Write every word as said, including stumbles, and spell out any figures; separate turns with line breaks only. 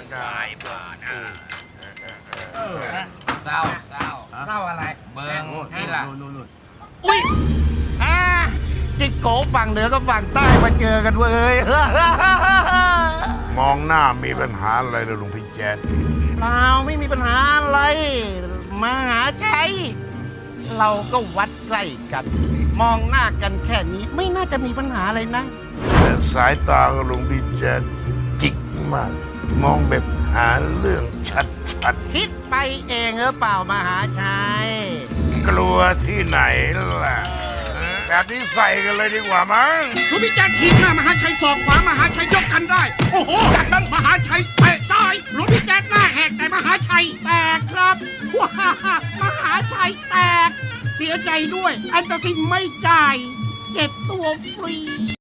สายบาทอ่ะ
เศร้าเศร้าเศร้าอะไรเบิ้งนี่ล่ะ
อุ้ยอ่าจิกโกฝั่งเหนือกับฝั่งใต้มาเจอกันเว้ย
มองหน้ามีปัญหาอะไรเลยลุงพี่แจ๊ด
เราไม่มีปัญหาอะไรมหาชัย เราก็วัดใกล้กัน มองหน้ากันแค่นี้ไม่น่าจะมีปัญหาอะไรนะ
แต่สายตาของลุงพี่แจ๊ดจิกมาก มองแบบหาเรื่องชัด
คิดไปเองหรือเปล่ามหาชัย
ๆ กลัวที่ไหนล่ะแบบนี้ใส่กันเลยดีกว่ามั้ง
หลวงพี่แจ๊ดทีมหน้ามหาชัยศอกขวามหาชัยยกกันได้ โอ้โหจากนั้นมหาชัยเตะซ้ายหลวงพี่แจ๊ดหน้าแหกแต่มหาชัยแตกครับว้ามหาชัยแตก เสียใจด้วย อันตรสินไม่จ่ายเก็บตัวฟรี